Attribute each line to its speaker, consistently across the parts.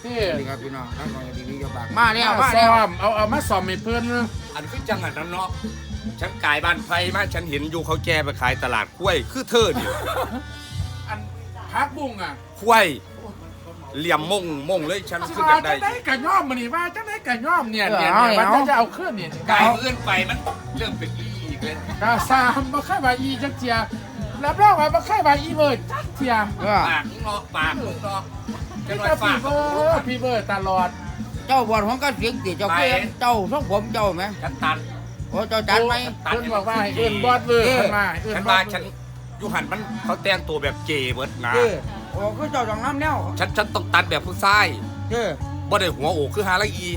Speaker 1: นี่ครับพี่น้องทั้งของดีๆจะบาก
Speaker 2: มาแล้วมาแล้ว
Speaker 3: เอามาซ่อมให้เพิ่น
Speaker 2: อันคือจังอันนั้นเนาะฉันกายบ้านไฟมาฉันเห็นอยู่เขาแก่ไปขายตลาดกล้วยคือเธอดิ
Speaker 3: อันพักบุ้งอ่ะ
Speaker 2: กล้วยเหลี่ยมมงเลยฉันคืออยากได้
Speaker 3: จะได้กระย่อมมันนี่ว่าจะได้กระย่อมเนี่ยมันจะเอาขึ้นเนี่ย
Speaker 2: กายเอื้อนไปมันเริ่มเป็นอีกเลย
Speaker 3: กาซามมาค่ายบาอีจักเจียรับรองว่ามาค่ายบาอีเบิร์ดจักเจีย
Speaker 2: ปากเนาะปากเนาะจะลอย
Speaker 3: พี่
Speaker 2: ปาก
Speaker 3: เบิร์ดพี่เบิร์ดตลอด
Speaker 1: เจ้าบอดของก็เสียงติเจ้าเพื่อนเจ้าทรงผมเจ้าไหม
Speaker 2: ฉันตัด
Speaker 1: โอ้เจ้าจัดไหม
Speaker 3: เพิ่นบอกว่าเอิ้นบอสเบิร์ดเพิ่นมาเอิ้น
Speaker 2: ฉัน
Speaker 3: บอ
Speaker 2: ว่า
Speaker 3: ส
Speaker 2: ฉันยูหันมันเขาแต่งตัวแบบเจเบิร์ดนะ
Speaker 1: โอ้คือเจ้าจังน้ำแนว
Speaker 2: ฉันต้องตัดแบบผู้ชาย
Speaker 1: เจ้
Speaker 2: บ่ได้หัวโอกคือฮาละอี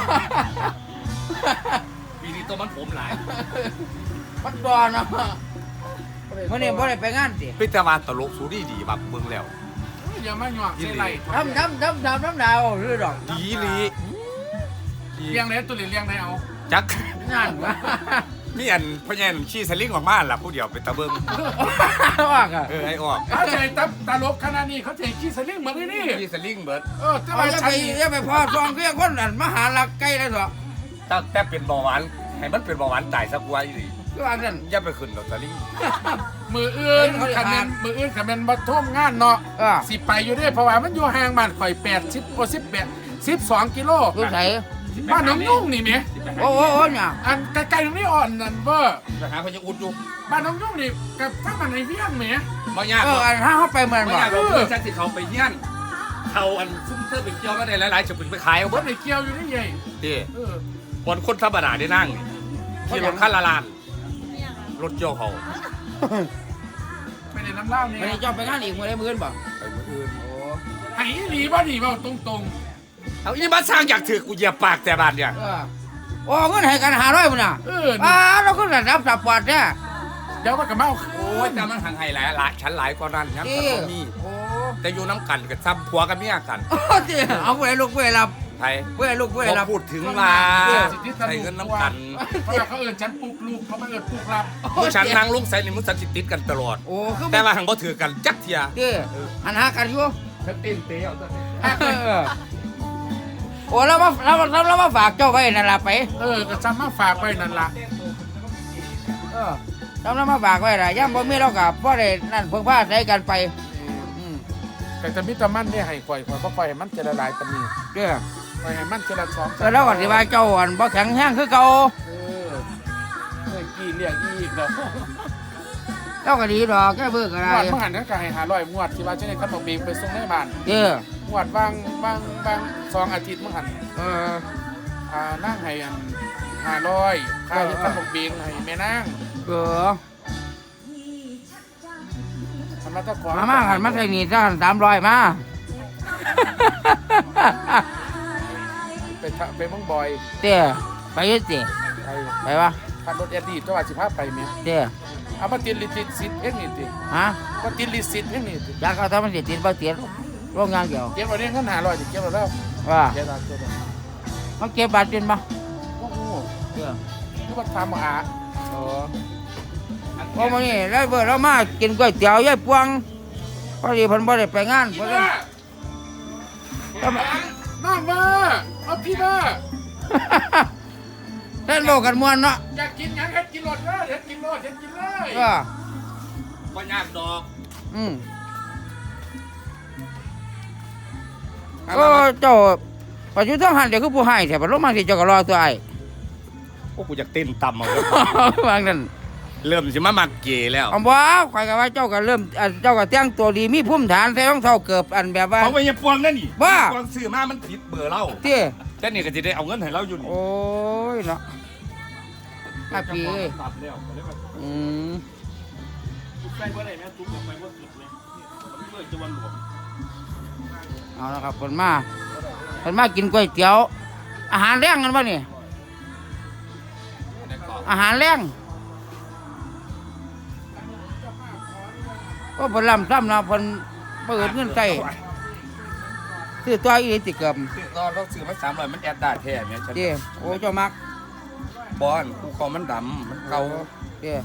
Speaker 2: ปีนี้ตัวมันผมหลาย
Speaker 1: มันดอนนะวันนี้บ่ได้ไปงานสิ
Speaker 2: เป็นแต่ว่าตลกสูดีแบบเบิ่งแล้ว
Speaker 3: อย่ามาหยอกใส่ไหล
Speaker 1: ทำดาวหรือดอก
Speaker 2: ดีลี
Speaker 3: เลี้ยงได้ตัวเลี้ยงได้เอา
Speaker 2: จัก
Speaker 1: นั่นวะ
Speaker 2: มีอันพญานขี้สลิงออกมาล่ะผู้เดียวไปตะเบิ่ง
Speaker 1: ว่ากัน
Speaker 2: ไอ้ออก
Speaker 3: เขาใจตลกขนาดนี้เขาใจขี้สลิงเหมือนนี่
Speaker 2: ขี้สลิงเบิด
Speaker 3: แต่
Speaker 1: เอา
Speaker 3: ว่า
Speaker 1: จะ
Speaker 3: ฉั
Speaker 1: ไป
Speaker 3: น
Speaker 1: จะไปพอซองเครื่องคนอันมหาลักใกล้แล้วเถอะ
Speaker 2: แต่เป็นเบาหวานให้มันเป็นเบาหวานตายสักวันดิ
Speaker 1: คือว่ากัน
Speaker 2: อย่าไปขึ้นลอตเตอรี่
Speaker 3: มืออื่นขันเป็นมืออื่นขันเป็นมาท่วมงานเนาะสิไปอยู่ด้วยเพราะว่ามันอยู่ห่างบ้านข่อย80 12 กิโล
Speaker 1: ดูใส่
Speaker 3: บ้านน้องยุ่งนี่เมีย
Speaker 1: โอ้เนี่ย
Speaker 3: อันไกลๆตรงนี้อ่อนนั่นเบ้อ
Speaker 2: ไปหาพญาอุดอยู่
Speaker 3: บ้านน้องยุ่งนี่กับถ้ามันในเวียงเมีย
Speaker 2: บ่ยาก
Speaker 1: อันถ้าเขาไปเมือง
Speaker 2: บ่
Speaker 1: บ่
Speaker 2: ยากเราเพื่อนฉันสิเขาไปเยี่ยนเขาอันซุ่มเตอร์ไปเกี่ยวมาได้หลายๆจะไปขายเอา
Speaker 3: บ
Speaker 2: เบิ
Speaker 3: น
Speaker 2: ด
Speaker 3: ในเกี่ยวอยู่นี่ไง
Speaker 2: ดิ
Speaker 3: เออบ
Speaker 2: นคนธรรมดาได้นั่งขี่รถคันละล้านรถเกี่ยวเขา
Speaker 3: ไปในน้ำเล่าเนี่ย
Speaker 1: ไม่ได้จอบไปงานอีกเมื่อไรมื้อบ่
Speaker 2: ไปมื้ออื่น
Speaker 3: ไอ้หนีบ่หนีบ่ตรง
Speaker 2: เอาอีบ้านสร้างอยากถือกูเหยียบปากแต่บ้านเนี่ย
Speaker 1: โอ้เงินให้กัน500พุ่นน่ะ
Speaker 3: ๆนี่
Speaker 1: เราก็ระดับสับปอดเนี่ย
Speaker 3: เดี๋ยวมันก็มาเอา
Speaker 2: โอ้ยแต่มันห่างไห้หลายฉันหลายกว่านั้นนะแต่ก็มี
Speaker 1: โอ้
Speaker 2: แต่อยู่น้ำกันกับซ้ำผัวกับเมียกัน
Speaker 1: เอาไปลูกไปรับ
Speaker 2: ไทย
Speaker 1: ไปลูกไปรับ
Speaker 2: พอพูดถึงมาใช้เงินน้ำกัน
Speaker 3: เพราะเขาเอิญฉันปลุกลูกเขาไม่เอิญปลุกรับ
Speaker 2: ผู้ฉันนั่งลุงใส่ในมือสันจิติดกันตลอด
Speaker 1: โอ้คือ
Speaker 2: แต่ว่าหังบ่ถือกันจักเทีย
Speaker 1: อันหากันอยู่
Speaker 3: ฉันตีนเตี้ยวตัวนี้
Speaker 1: โอ้แล้วมาฝากเจ้าไว้นั่นล่ะไป
Speaker 3: ก็จำมาฝากไว้นั่นล่ะ
Speaker 1: แล้วมาฝากไว้ล่ะย่ำบ่มีเรากับบ่ได้นั่นเพิ่งพาใส่กันไป
Speaker 3: แต่จะมีแตะมันได้ให้ข่อยก็ข่อยให้มันจะละลายปานนี้
Speaker 1: เด้อ
Speaker 3: ข่อยให้มันจะละสอง
Speaker 1: แล้วก็สิว่าเจ้าอันบ่แข็งแรงคือเก่า
Speaker 3: เคยกี่เรียกอีกแล้ว
Speaker 1: แล้วก็ดีดอกแค่เบิ่งก็
Speaker 3: ง
Speaker 1: ได้
Speaker 3: วดเมื่อหันนั้นก็ให้500งวดที่ว่าจะได้ขนมเบงไปส่งในบ้าน
Speaker 1: เด้อง
Speaker 3: วดบาง2 อาทิตย์เมื่อหันนั่งให้อัน500ค่าที่ขนมเบงให้แม่นาง
Speaker 1: เออ
Speaker 3: ทำมาตะขอ
Speaker 1: มาหันมาใส่นี่ซะ300มา
Speaker 3: ไปเมืองบอย
Speaker 1: เด้อไปเฮ็ดสิ
Speaker 3: ไป
Speaker 1: ไปวะ
Speaker 3: ขับรถแอดดี้ตัวว่าสิพาไปแม่
Speaker 1: เด้อ
Speaker 3: เอามาติดลิสิตสิทธิ์เพ่งนี่ติ
Speaker 1: ฮะ
Speaker 3: มาติดลิสิตเพ่งนี่ติ
Speaker 1: อยากเอาทำมันสิติดบ่ติดโรงงานเดียว
Speaker 3: เก็บเอาเรื่องเงิน500ติเก็บเอาแล้ว
Speaker 1: ว่า
Speaker 3: เก็บเอาตัวนั้น
Speaker 1: มันเก็บบาทเป็นบ่
Speaker 3: โอ้โห
Speaker 1: เด้อ
Speaker 3: คือว่าทำหา
Speaker 1: พอมื้อนี้แล้วเบิ่เรามากินก๋วยเตี๋ยวยายปวงพอดีเพิ่นบ่ได้ไปงานเพิ่น
Speaker 3: น้องเบอร์เอาพี่เบอร์
Speaker 1: เล่นโลกกันม่วนเนาะ
Speaker 3: อยากกินหยังเฮ็ดกินรถเลยเฮ็ดกินรถเฮ็ดกินเลย
Speaker 1: เออ
Speaker 2: บ่ยากดอก
Speaker 1: โอ้เจ้าปัจจุบันหันเดี๋ยวคือผู้ให้แต่ปัจจุบันที่เจ้าก็รอตัวไอ้
Speaker 2: โอ้กูอยากเต้นต่ำเอาเลย
Speaker 1: วางนั่น
Speaker 2: เริ่มสิมามักเกแล้ว
Speaker 1: อ๋อบ่ข่อยก็ว่าเจ้าก็เริ่มเจ้าก็แต่งตัวดีมีภูมิฐานใส่รองเท้าเกือบอันแบบว่า
Speaker 2: เขาไปยังพวงนั่นนี่
Speaker 1: บ้า
Speaker 2: พวงซื้อมามันผิดเบอร์เรา
Speaker 1: เตี้ย
Speaker 2: แต่นี่ก็จะได้เอาเงินให้เราอยู่นี่
Speaker 1: โอ้ยเนาะอาปีเอ้ย
Speaker 2: ตัดแล้วก็เลยว่า
Speaker 1: อืม
Speaker 2: ใกล้บ่ได้แม่ตุ๊กออกไปบ่สุดเลยมันเลยจะวันหลวง
Speaker 1: เอาละครับเพิ่นมากินก๋วยเตี๋ยว อาหารแรงกันบ่นี่อาหารแรงก็เพิ่นลำซ้ำเนาะเพิ่นเปิดเงินใส่ซื้อตัวอีหลีติเกือบ
Speaker 2: เราซื้อมา300มันแอดได้แท้แม่ฉัน
Speaker 1: เด้โอ้เจ้ามัก
Speaker 2: บอลกูคอมันดำมันเก่า
Speaker 1: เด้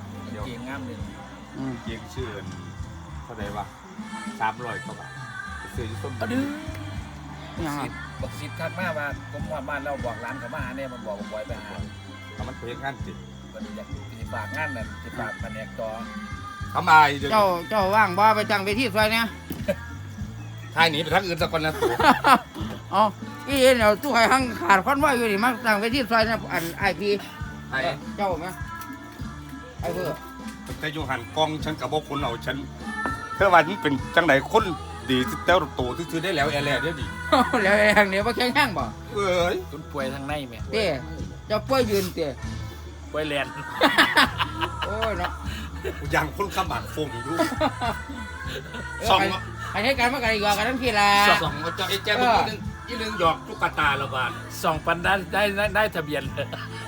Speaker 2: เก่งงามเลย
Speaker 1: อืม
Speaker 2: เก่งชื่อเท่าไหร่วะ300กว่าบาทซื้ออยู่ส้ม
Speaker 3: ดื้อ
Speaker 1: ยังไง
Speaker 3: บักซิดทักมาว่าผมว่าบ้านเราบอกร้านเขามาหาเนี่ยมันบอกบ่อยไปหา
Speaker 2: เอามันไปเฮ็ดงานติ
Speaker 3: มันอยากสิฝากงานนั่นสิฝากแผนกต่อ
Speaker 2: ทำไมเดี๋ยว
Speaker 1: เจ้าว่างบ่ไปตั้งเวทีซอยเนี่ย
Speaker 2: ทายหนีไปทางอื่นสักคนนะตัว
Speaker 1: อ๋ออีเดี๋ยวตู้ไข่หังขาดคอนว่าอยู่นี่มาตั้งเวทีซอยเนี่ยอันไอพี
Speaker 2: ไอ้
Speaker 1: เจ้าไหมไอเพื่อ
Speaker 2: แต่อยู่หันกล้องฉันกับบ่คนเอาฉันเธอว่านี่เป็นจังไดคนดีที่เต้าโตที่ซื้อได้แล้วแอร์แลเดี๋ยวดิ
Speaker 1: แล้วแรงเดี๋ยวมาแข่งข้างบ่
Speaker 2: เอ้ย
Speaker 3: คุณป่วยทางในแม่
Speaker 1: เต้เจ้าป่วยยืนเต้
Speaker 3: ป่วยแลน
Speaker 1: โอ้ยเนาะ
Speaker 2: อย่างคนขมักฟงอยู่สอง
Speaker 1: ไอ้ให้การมากันอีกกันทั้งพี่ละ
Speaker 2: สองเจ้าไอ้แจ๊บอีนึงหยอกตุ๊กตาละบาท
Speaker 3: 2 ปันได้ทะเบียนเลย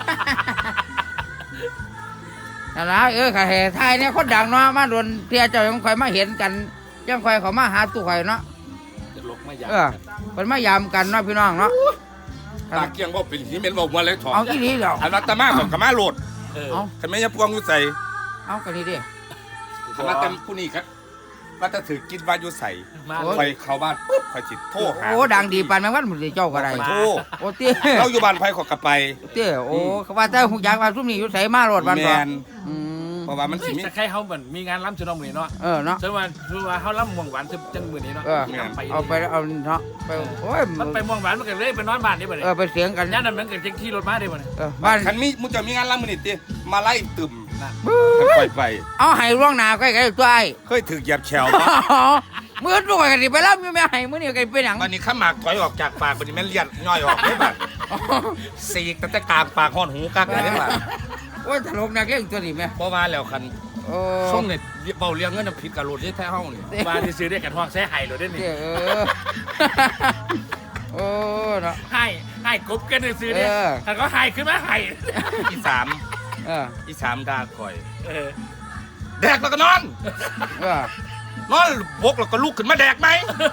Speaker 1: นั่นละค่ะเหตุไทยเนี่ยคนดังเนาะมาโดนเทียเจ้ายังคอยมาเห็นกันยังคอยเขามาหาตู้ไข่เนาะ
Speaker 3: จะลกไม่อยาก
Speaker 1: เป็นมายามกันเนาะพี่น้องเนาะ
Speaker 2: ตาเกียงบ่เป็นหิเม็นบ่มาเลยถอด
Speaker 1: เอาอีนี้เดี๋ยว
Speaker 2: อันรัตมาของกมาโหลด
Speaker 1: เอา
Speaker 2: คันแม่ยังพวงอยู่ใส่
Speaker 1: เอากันนี่ดิ
Speaker 2: คันรัตผู้นี้ครับว่าถ้าถือกินว่าอยู่ใส่
Speaker 3: มา
Speaker 2: คอยเข้าบ้านปุ๊บคอยจิตโทรหา
Speaker 1: โอ้ดังดีปานแมงวันหมดเลยเจ้าก็ได้
Speaker 2: โทร
Speaker 1: โอ้เตี้ย
Speaker 2: เราอยู่บ้านไผขอกลับไป
Speaker 1: เตี้ยโอ้เขาว่าแต่หุกยางว่าซุ่มนี่อยู่ใส่มาโหลดบ้าน
Speaker 2: แม
Speaker 1: บ่
Speaker 2: น
Speaker 1: อืม
Speaker 2: เพราะว่ามันสิมี
Speaker 3: จะใครเขาเหมือนมีงานล้ำจุดน้องมือเนาะ
Speaker 1: เนาะ
Speaker 3: ฉะนั้นว่าเขาล้ำม่วงหวานจังมือนี้เนาะ
Speaker 1: เอาไปเอาเนาะไปโอ้ย
Speaker 3: มันไปม่วงหวานมันก็เลยไปนอนบ้านนี่บ่เนี่ย
Speaker 1: ไปเสียงกัน
Speaker 3: ย่านนั้นมันก็ขี่รถมาได้บ่เนี่ย
Speaker 1: บ้าน
Speaker 2: คันมีมึงจะมีงานละมื้อนี้ติมาไล่ตึมปล่อยไป
Speaker 1: เอาให้ร่วงหน้าใกล้ๆตัวไอ้
Speaker 2: เคยถือเหยียบแฉวบ่
Speaker 1: มื้อตัวกันสิไปรับไม่ให้มื้อนี้กันเป็นหยัง
Speaker 2: วันนี้ข้าหมากถอยออกจากปากวันนี้แม่นเลียดย่อยออกได้บัดสีกตั้งแต่กลางปากฮอดหูกักได้บัด
Speaker 1: โอ้ยตลกนักเล่นตัวนี้แม่
Speaker 2: บ่ว่าแล้วคัน
Speaker 1: โอ้
Speaker 2: ช่วงเนี่ยเบาเลี้ยงเงินผิดกับรถที่แท้เฮานี่
Speaker 3: มาที่ซื้อได้กันห้องแซ่ไห้รถได้นี่
Speaker 1: โอ้เนาะ
Speaker 3: ไห้กบกันซื้อเนี่ยแต่ก็ไห้ขึ้นมาไห้
Speaker 2: อีสาม อีสามด่าข่อย แดกแล้วก็นอน นอนบกแล้วก็ลุกขึ้นมาแดกไหม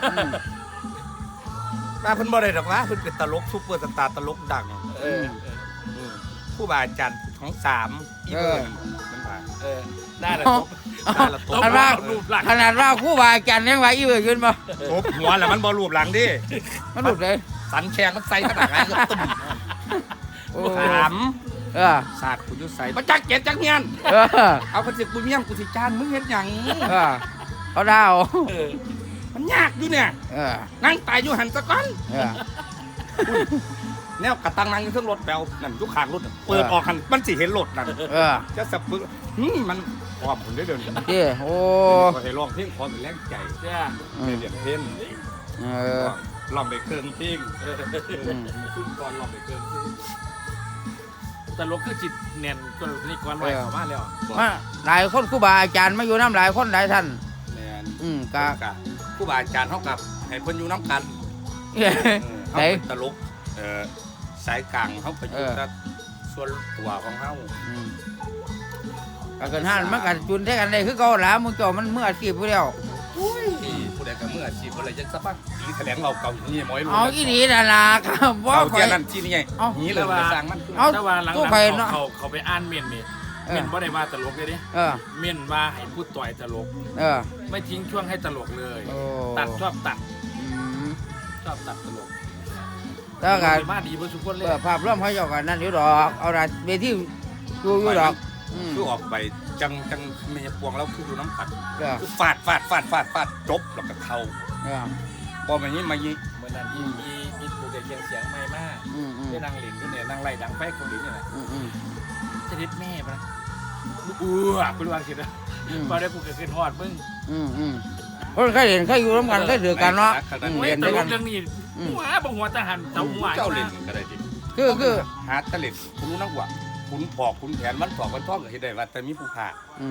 Speaker 2: ตาเพิ่นบ่ได้ดอกนะเพิ่นเป็นตลกซุปเปอร์สตาร์ตลกดังผู้บาอาจารย์ของสามอีเพิ่นมันว่า
Speaker 3: ได้ละ
Speaker 2: ได้ละตบ
Speaker 1: ขนาดว่าครู่บาอาจารย์ยังว่าอีเบิดขึ้นบ่
Speaker 2: ตบหัวแล้วมันบ่รูปหลังดิ
Speaker 1: มันหลุดเลย
Speaker 2: สันแชงมันใส่ขนาดไหนก็ตุ่ม
Speaker 1: โอ้
Speaker 2: สาม
Speaker 1: ศา
Speaker 2: สาดกูอยู่ใส่บ่จักเก็ดจักเมียนเอาคันสิกูเมียนกูสิจ้างมึงเฮ็ดหยัง
Speaker 1: เขาดาว
Speaker 2: มันยากอยู่เนี่ย นั่งตายอยู่หันซะก่อนแนวกระตังนั่งอยู่เทิงรถแปลวนั่นอยู่ข้างรถเปิดออกหันมันสิเห็นรถนั่นจะสับปึกมันพร้อมผมได้เดิน
Speaker 1: เจ้โอ้
Speaker 2: ก็ให้ร้องเพลงขอเป็นแรงใจเรียนเพลงร้องไปเครื่องเพลงขึ้นก่อนร้องไปเครื่องเพลง
Speaker 3: ตลกคือจิตเนียนก็นี่ก่อนไว้เข้ามาแล้ว
Speaker 1: มาหลายคนครู่บาอาจารย์มาอยู่น้ำหลายคนหลายท่าน
Speaker 2: แม่น
Speaker 1: กะ
Speaker 2: ครูบาอาจารย์เฮากับให้เพิ่นอยู่น้ำกันเฮาเป็นตลกสายกลางเฮาไปอยู่กับส่วนตัวของเฮา
Speaker 1: ก็เกินห้านมันกันจุนได้กันได้คือเก่าหลามึงจ่อมันเมื่ออาชีพผู้เดียว
Speaker 2: ผู้ใดก็มืออาชีพอะไรจังซะป่ะตีแถลงเราเก่าอย่างนี้หมอยรู้
Speaker 1: เอาอีนีน่ะล่ะครับว่า
Speaker 2: เอา
Speaker 1: ข่อ
Speaker 2: เทีย
Speaker 1: ย
Speaker 2: นนั่นที่นี่ไงนี้เลยไปสร้างมัน
Speaker 1: เอา
Speaker 3: ถ้าว่าหลัง
Speaker 1: ตู้ไฟเนาะ
Speaker 3: เขาไปอ่านเมียนนี่เมียนบ่ได้ว่าตลกเลยดิ เมียนว่าให้พูดต่อยตลก ไม่ทิ้งช่วงให้ตลกเลย ตัดชอบตัดตลก
Speaker 1: แล้วกัน
Speaker 3: มาดีบ่ทุกคนเลย
Speaker 1: ภาพร่วมเขาเจ้ากันนั่นอยู่ดอกเอาละเวทีอยู่ดอก
Speaker 2: คือออกไปจังเมียพวงแล้วคือดูน้ำผัด
Speaker 1: ก็
Speaker 2: คือฟาดจบแล้วก็เข่าพอแบบนี้มายิง
Speaker 3: เหมือนนั้นมีผู้เด็กเสียงใหม่มากได้นางหลินด้วยเนี่ยนางไล่ดังไฟของหลินนี่แหละจะดิดแม่ปะคุณวางคิดนะพอได้กูเกิดขึ้นฮอดมึง
Speaker 1: คนเคยเห็นเคยอยู่ร่วมกันเคยถือกันเนาะ
Speaker 3: เรี
Speaker 1: เรี
Speaker 3: ย
Speaker 1: ย
Speaker 3: น
Speaker 1: น
Speaker 3: ต
Speaker 1: ด้วย
Speaker 3: ล
Speaker 1: กั
Speaker 3: ก
Speaker 1: น
Speaker 3: เรื่องนี้หัวบังหัวทหารเจ้าหัว
Speaker 2: เจ้าเล่นก็ได้ดิ
Speaker 1: คือ
Speaker 2: หาตะเล็ดคุณรู้นักว่าคุณปอกคุณแผนวันปอกวันท่องก็เห็นได้ว่าแต่มีผู้ผ่า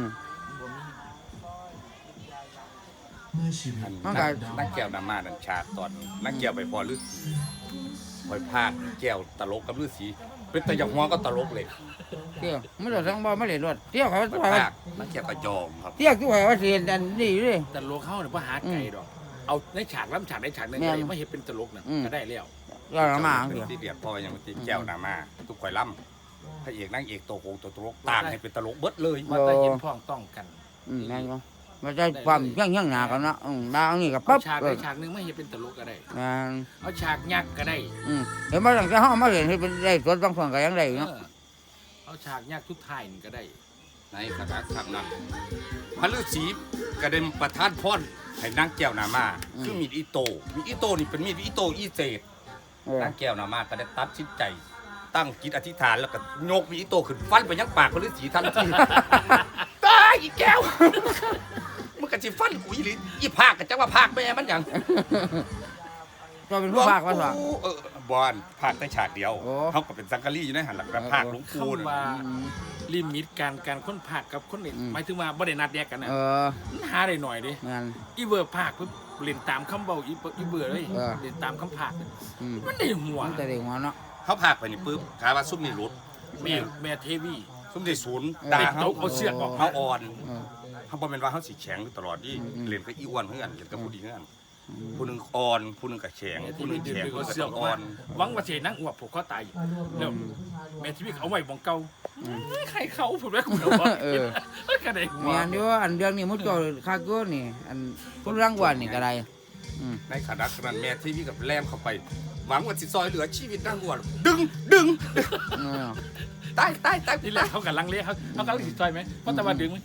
Speaker 2: นักแก้วนามาดันชาตอนนักแก้วไปพอฤาษีคอยพากแก้วตลกกับฤาษีเป็นแต่อย่างหัวก็ตลกเลย
Speaker 1: เที่ยวไม่ได้ทั้งบ่ไม่ได้รถเที่ยวเขา
Speaker 2: ไปพากนักแก้วก็ยอมครับ
Speaker 1: เที่ยวที่ว่าเรียนอันนี้เลย
Speaker 3: ตลกเข้าเนี่ยว่าหาไก่ดอกเอาในฉากล้ำฉากในฉากนึงไม่เห็นเป็นตลกน่ะก็ได้แล้ว
Speaker 1: เรามา
Speaker 2: ที่เดียดพออย่างที่แก้วนามาทุกข่อยล่ำพระเอกนางเอกโตโกงตัวตลกต่างให้เป็นตลกเบิดเลย
Speaker 3: ว่าแต่เห็นพ้องต้องกัน
Speaker 1: แม่นบ่มันจะความเฮี้ยงหนากันเนาะดาวนี่กับ
Speaker 3: เอา
Speaker 1: ปั๊บ
Speaker 3: ฉากได้ฉากนึงไม่ให้เป็นตลกก็ได้เอาฉากยักษ์ก็ได้
Speaker 1: เห็นมาตั้งแต่ห้องมาเห็นที่เป็นได้สดบางส่วนก็ยังได้เนาะ
Speaker 3: เอาฉากยักษ์ทุกท่ายก็ได้
Speaker 2: ในขณะทำนั้นพระฤาษีกระเด็นประทานพรให้นางแก้วนามาคือมีดอิโต้นี่เป็นมีดอิโต้อีเศษนางแก้วนามาก็ได้ตัดสินใจ ตั้งจิตอธิษฐานแล้วก็โยกมีดอิโต้ขึ้นฟันไปยังปากพระฤาษีทันทีตายอีแก้วมันก็สิฟันกูอีภาคก็จังว่าภาคแม่มันหยัง
Speaker 1: ก็เป็นผู้ภาคว่าส
Speaker 2: บอลภาคได้ฉากเดียวเขาก็เป็นสังกะรีอยู่ในหันหลังแบบภาคหลวงปู่
Speaker 3: คำว่าลิมิตการค้นภาคกับคนอื่นหมายถึงว่าบ่ได้นัดแยกกันนะหาได้หน่อยดิอีเบอร์ภาคเพิ่นเล่นตามคำเบาอีเบอร์เลยเล่นตามคำภาคมันได้หัว
Speaker 1: มันแต่ได้หัวเนาะ
Speaker 2: เขาภาคไปนี่ปุ๊บขาว่าซุ่มนี่รุด
Speaker 3: แม่เทวี
Speaker 2: ซุ่มที่ศูนย์
Speaker 3: ด่า
Speaker 2: ด่า
Speaker 3: เขาเอาเสือกออก
Speaker 2: เขาอ่อนเขาบอกเป็นว่าเขาสีแข็งอยู่ตลอดที่เล่นกับอีอ้วนเพื่อนเล่นกับผู้ดีเพื่อนผู้หนึ่งอ่อนผู้หนึ่งกับแข็ง
Speaker 3: แม่
Speaker 2: ผู้
Speaker 3: ที่
Speaker 2: หนึ่ง
Speaker 3: มี
Speaker 2: แข็ง
Speaker 3: ดึง
Speaker 2: ผู้ห
Speaker 3: เอา
Speaker 2: นึ่ง
Speaker 3: เสือก
Speaker 2: กับ
Speaker 3: ออก
Speaker 2: อ่อ
Speaker 3: มาน หวังว่าเสนั่งอวบผูกคอตายแล้วแม่ที่มีเอาไว้บองเก่าใครเขาผมไม่คุ้นว่าก็ได้หัว
Speaker 1: แม่นอยู่อันเรื่องนี้มุดก็คากูนี่อันผู้รางวัลนี่ก็ได้
Speaker 2: ในขณะนั้นแม่ที่พี่กับแลมเข้าไป หวังว่าสิซอยเหลือชีวิตนางอ้วนดึงตาย
Speaker 3: นี่แหละเขากำลังเลี้ยเขากำลังสิซอยไหมเพราะแต่ว่าดึง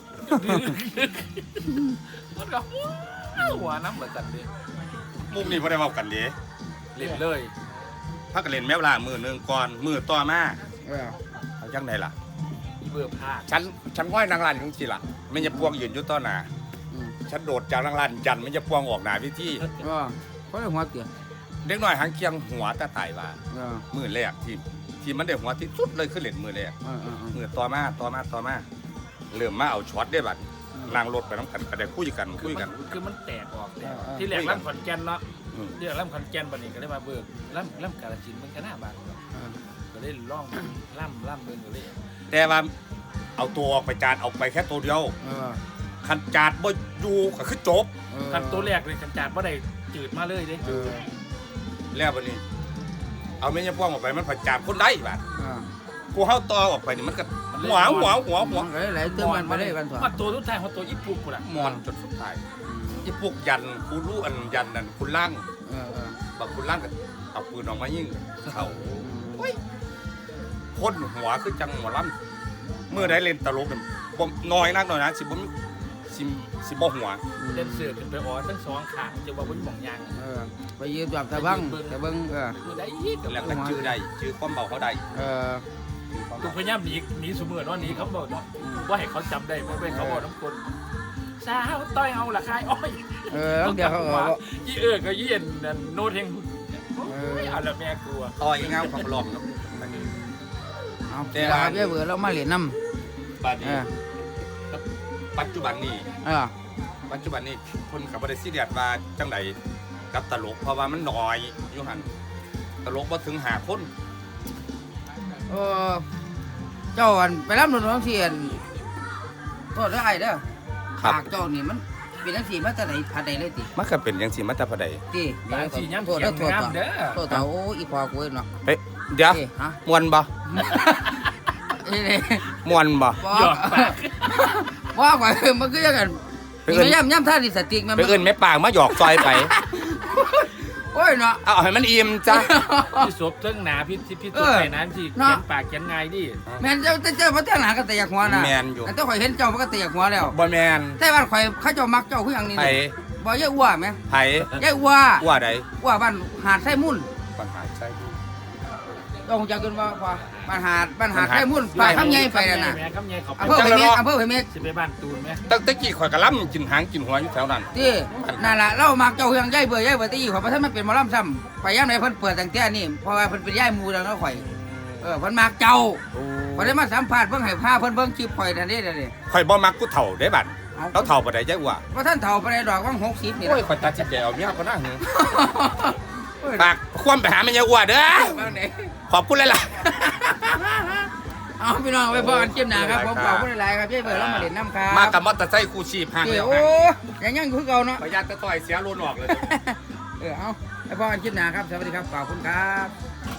Speaker 3: มันก็หัวน้ำเหมือนกันดิ
Speaker 2: มุมนี้พอได้เว้ากันเลย
Speaker 3: เล่นเลย
Speaker 2: พักกันเล่นแมวล่ามือหนึ่งก่อนมือต่อมาเอาจังไดล่ะ
Speaker 3: เบื่อผ้า
Speaker 2: ฉันห้อยนางรันของสิล่ะไม่จะพวงยืนอยู่ต่อหน้าฉันโดดจากนางรันยันไม่จะพวงออกหน้าพิธี
Speaker 1: ก็ได้หัวเตี้ย
Speaker 2: เด็กน้อยหางเคียงหัวตาตายว่ามือแรกที่มันได้หัวที่สุดเลยคือเล่นมือแรกมือต่อมาเริ่มมาเอาช็อตได้บัดล่างรถไปน้ำกันก็ได้คุยกัน
Speaker 3: คือมันแตกออกที่แรกล่ำขอนแก่นเนาะเดี๋ยวล่ำขอนแก่นบัดนี้ก็ได้มาเบิกล่ำกาฬสินธุ์มันก็น่าบางก็ได้ล่องล่ำเบิกก็เลย
Speaker 2: แต่ว่าเอาตัวออกไปจานเอาไปแค่ตัวเดียวขันจานบ่อยู่ก็คือจบ
Speaker 3: คันตัวแรกเลยขันจานว่าได้จืดมาเลยเด้
Speaker 2: แล้วบัดนี้ เอาแม่ยาพ่วงออกไปมันผัดจานคนได้บัดกูเฮาต่อออกไปนี่มันก็หัว
Speaker 1: ไหลเติมมันไปได้กันถอด
Speaker 3: มาตัวทุกทางของตัวญี่ปุ่นกูละ
Speaker 2: มอนจนสุดท้ายอีพวกยันกูรู้อันยันนั่นคุณล่างบักคุณล่างก็เอาปืนออกมายิงเขาพ่นหัวคือจังหมอลำเมื่อได้เล่นตลกเนี่ยบ่น้อยนักนะสิบ่หัว
Speaker 3: เล่นเสือขึ้นไปอ๋อทั้งสองขางจะว่าบนหม่องยาง
Speaker 1: ไปยืมจับตะบังตะเบิ้ง
Speaker 3: คือได้ยี่กับ
Speaker 2: แล้วก็ชื่อได้ชื่อความเบาเขาได้
Speaker 3: กูพยายามหนีสมือเนาะหนีเขาบอกเนาะว่าให้เขาจำได้ไม่เขาบอกน้ำคนสาวต้อยเอาละคายอ้อย
Speaker 1: เดี๋ยวเขาบอก
Speaker 3: ยี่ก็ยี่นโน้ตเฮงเอาละแม่กลัว
Speaker 2: ต่อยเงาของหลอกเนาะ
Speaker 1: เอาแต่เบี้ยเบื่อเรามาเหรียญน้ำ
Speaker 2: บัดนี้ปัจจุบันนี้
Speaker 1: ปั
Speaker 2: ปัจจุบันนี้คนกับบริษัทเดียดว่าจังใดกับตลกเพราะว่ามันน้อยอยู่หันตลกบ่ถึง5 คน
Speaker 1: เจ้าอันไปรับหนุนน้องเสียนโทษได้ไอ้เด้อปากเจ้านี่มันเป็นทั้งสี่มาแต่ไหนพันใดเลยติ
Speaker 2: มันก็เป็นจังซี่มาแต่พอใด
Speaker 1: ติ
Speaker 3: บางทีย้ำ
Speaker 1: โทษ
Speaker 3: เสีย
Speaker 1: เด้อง โทษ
Speaker 3: น้ำเด้อ
Speaker 1: โทษโอ้อีพอกูเนาะ
Speaker 2: เดี๋ยว
Speaker 1: ฮะ
Speaker 2: มวนบ่
Speaker 1: นี่
Speaker 2: มวนบ่
Speaker 3: หยอกปาก
Speaker 1: ว่าก่อนมันก็ยังกันย่ำท่าดิสติกมัน
Speaker 2: ไปเอิ้นแม่ปางมาหยอกซอยไป
Speaker 1: โอ้ยเนาะ
Speaker 2: เอาให้มันอิ่มจ้ะ
Speaker 3: พี่ศพเทิงหนาพี่ศพไปนั้นที่เขียนปากเขียนไงดิ
Speaker 1: แม่นเจ้าพระเจ้าหนาก็แต่อยากหัวนะ
Speaker 2: แม่นอยู่
Speaker 1: แต่ข่อยเห็นเจ้ามันก็แต่อยากหัวแล้ว
Speaker 2: บ่แม่น
Speaker 1: แต่บ้านข่อยเขาเจ้ามักเจ้าคืออย่างนี้
Speaker 2: ไผ
Speaker 1: บ่ยายอ้วไหม
Speaker 2: ไผ
Speaker 1: ยายอ้ว
Speaker 2: ว่าใด
Speaker 1: อ้วบ้านหาดไส้มุ่น
Speaker 2: ปัญหาใช่ดู
Speaker 1: ต้องจะกินว่าบ้านหาดไส้มุ่นไปคำใหญ่ไปนั่นน่ะ
Speaker 3: คำใหญ่เขา
Speaker 1: อำเภอไผ่เม็ดอำเภอไผ่เม็ด
Speaker 3: สิไปบ้านตูนไหม
Speaker 2: ตั้งแต่กี้ข่อยก็ล้ำกินหางกินหัวอยู่แถวนั้น
Speaker 1: ที่นั่นล่ะเรามักเจ้าคืออย่างยายเบื่อยายเบื่อตีข่อยเพราะท่านมันเป็นหมอลำซ้ำไปย่ำไหนเพิ่นเปิดตั้งแต่นี่เพราะว่าเพิ่นเป็นยายมูแล้วเนาะข่อยเพิ่นมักเจ้าข่อยได้มาสัมภาษณ์เบิ่งให้พาเพิ่นเบิ่งคลิปข่อยนั่นนี่เด้อ
Speaker 2: ข่อยบ่มักกูเฒ่าได้บัดแล้วเฒ่าบ่ได้จักว่า
Speaker 1: ว่าท่านเฒ่าไปได้ดอกว่าง60นี่
Speaker 2: โอ้ยข่อยตัดสินใจเอาเมียก็น่าหือฝากความไปหาแม่ยายอ้วนเด้อ
Speaker 1: บ้างไหน
Speaker 2: ขอบคุณเลยล่ะ
Speaker 1: เอาพี่น้องไปพอกันเจ็บหนาครับผมขอบคุณหลายๆครับยายเบื่อเรามาเล่นน้ำครับ
Speaker 2: มากับมอเตอร์ไซค์คู่ชีพห่าง
Speaker 1: เดี๋
Speaker 2: แล้
Speaker 1: ยว
Speaker 2: ว
Speaker 1: โอ้ยังคือเก่าเนาะ
Speaker 2: ประหยัดแต่ต่อยเสียโลนออกเลย
Speaker 1: เอาไปพอกันเจ็บหนาครับสวัสดีครับขอบคุณครับ